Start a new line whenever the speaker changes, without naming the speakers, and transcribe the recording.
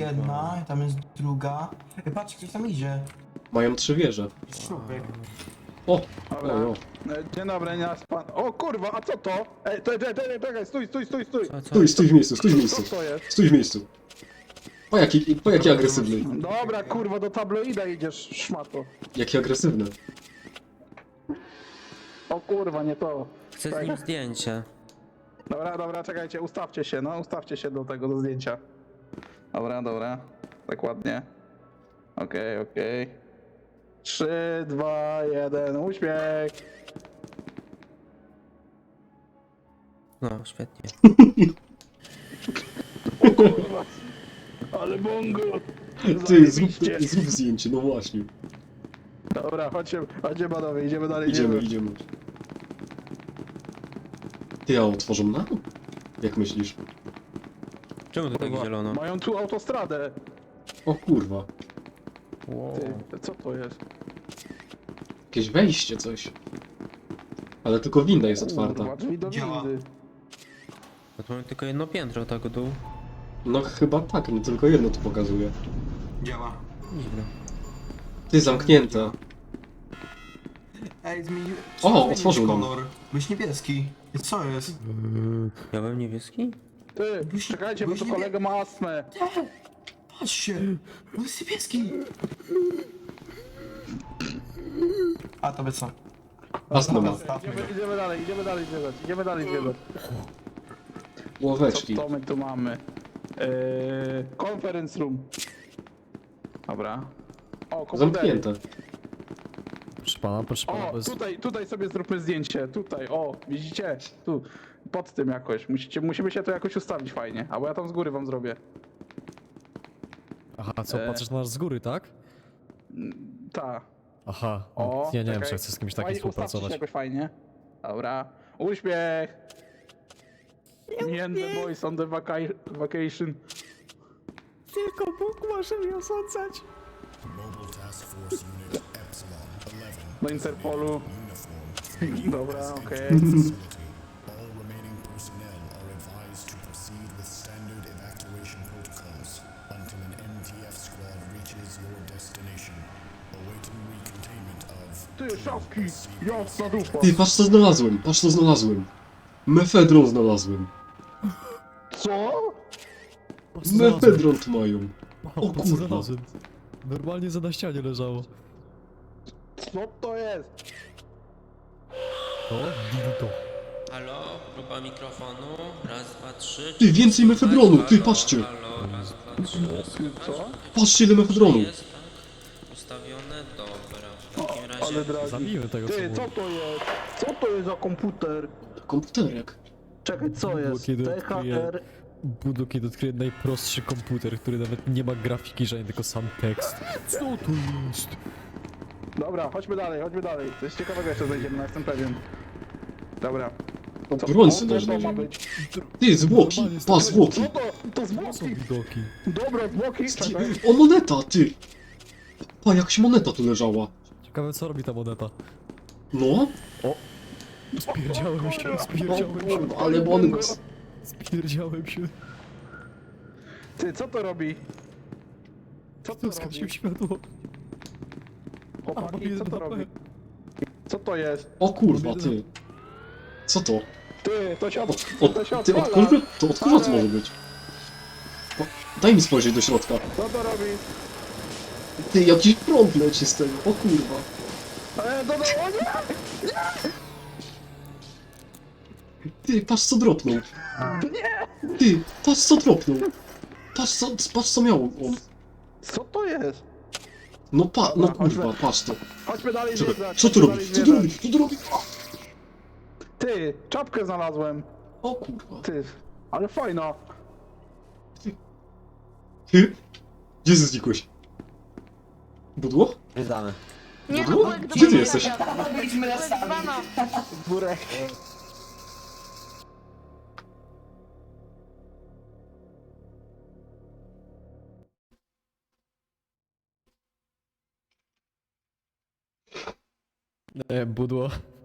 jedna, tam jest druga. Ej, patrz, ktoś tam idzie.
Mają 3 wieże.
Człowiek.
O!
Dobra.
O, o.
Dzień dobry, nasz pan. O kurwa, a co to? Ej, czekaj, stój.
Stój w miejscu, stój w miejscu.
Co to jest?
Stój w miejscu. Po jaki agresywny.
Dobra, kurwa, do tabloida idziesz, szmato.
Jaki agresywny.
O kurwa, nie to.
Chcę z nim zdjęcie.
Dobra, czekajcie, ustawcie się do tego, do zdjęcia. Dobra, tak ładnie. Okej. 3, 2, 1, uśmiech.
No, świetnie.
O kurwa. Ale bongo.
Ty,
Zajebiście.
zrób zdjęcie, no właśnie.
Dobra, chodźcie panowie, idziemy dalej.
Idziemy. Ty, a otworzą nam? Jak myślisz?
Czemu to tak
Kurwa,
zielono?
mają tu autostradę.
O kurwa.
Wow.
Ty, co to jest?
Jakieś wejście, coś. Ale tylko winda jest otwarta.
Kurwa, drzwi do
Działa.
windy.
No to mamy tylko jedno piętro, tak dół.
No chyba tak, no tylko jedno tu pokazuje.
Działa.
Dziwne.
Ty, zamknięte.
Ej, zmienił...
otworzył nam.
kolor. Byś niebieski. I co jest?
Ja byłem niebieski?
Ty, czekajcie, bo
byś
tu
nie-
kolega ma astmę.
Patrzcie! On jest niebieski! A to by co?
Astma ma.
Zostawmy go.
Idziemy dalej zwiedzać.
Ławeczki.
Co my tu mamy? Conference room. Dobra. O, komputery.
Zamknięte.
Proszę pana,
O,
bez...
tutaj sobie zróbmy zdjęcie. Tutaj, o, widzicie? Tu. Pod tym jakoś. Musimy się to jakoś ustawić fajnie. Albo ja tam z góry wam zrobię.
Aha, co, patrzysz na nas z góry, tak?
Ta.
Aha,
O,
ja nie wiem,
czekaj.
czy chcę z kimś takim
Fajnie, ustawcie się
współpracować.
jakoś fajnie. Dobra. Uśmiech! Me and the boys on the vacation.
Tylko Bóg może mnie osądzać.
Do Interpolu. Dobra, okej.
All remaining personnel are advised to proceed with standard evacuation protocols until an MTF squad reaches your destination. Awaiting recontainment of...
Ty, szafki! Jasna dupa!
Ty, patrz co znalazłem. Mefedron znalazłem.
Co?
Mefedron tu mają.
O
kurwa.
kurwa. Znalazłem. Normalnie za na ścianie leżało.
Co to jest?
To? Dildo.
Halo? Próba mikrofonu. Raz, dwa, trzy.
Ty, więcej mefedronu, ty,
Halo,
patrzcie.
Halo, raz, dwa, trzy. Słychać?
Co?
Patrzcie ile mefedronu.
Jest tak? Ustawione? Dobra. W takim razie...
Ale dragi.
Zabijmy tego, co
Ty, co
mówi.
to jest? Co to jest za komputer?
Komputerek.
Czekaj, co jest?
Kiedy
THR...
Budło, kiedy odkryje najprostszy komputer, który nawet nie ma grafiki żadnej, tylko sam tekst. Co to jest?
Dobra, chodźmy dalej. Coś ciekawego jeszcze znajdziemy, no jestem pewien. Dobra.
Broń
O,
sobie
co to ma
znajdziemy.
być?
Ty, zwłoki. Pa, zwłoki.
Co to? To
To są
zwłoki!
widoki.
Dobra, zwłoki, czekaj.
O, moneta, ty. Pa, jakaś moneta tu leżała.
Ciekawe, co robi ta moneta.
No,
Spierdziałem się, spierdziałem się,
ale bonus.
spierdziałem się.
Ty, co to robi? Co to
Skasił
robi?
światło. A, mam
Chłopaki, co
jeden
to
HP.
robi? Co to jest?
O kurwa, ty. Co to?
Ty, to się,
O,
to się
ty,
odpala.
od kogo to może być? O, daj mi spojrzeć do środka.
Co to robi?
Ty, jakiś prąd leci z tego, o kurwa.
O nie!
Ty, patrz co dropnął. Ty, patrz co dropnął. Patrz co miał on.
Co to jest?
No no
Dobra,
kurwa,
chodźmy.
patrz to.
Chodźmy dalej
Czekaj,
zwiedzać.
co tu
chodźmy
robi?
dalej
Co tu robi?
zwiedzać.
Co tu robi?
Ty, czapkę znalazłem.
O kurwa.
Ty, ale fajna.
Ty? Gdzie znikłeś? Budło?
Witamy.
Nie no,
Budło?
byłek do
Gdzie ty
mnie
jesteś?
zagadał.
Byliśmy na sami.
Dzwona.
Burek.
Budło.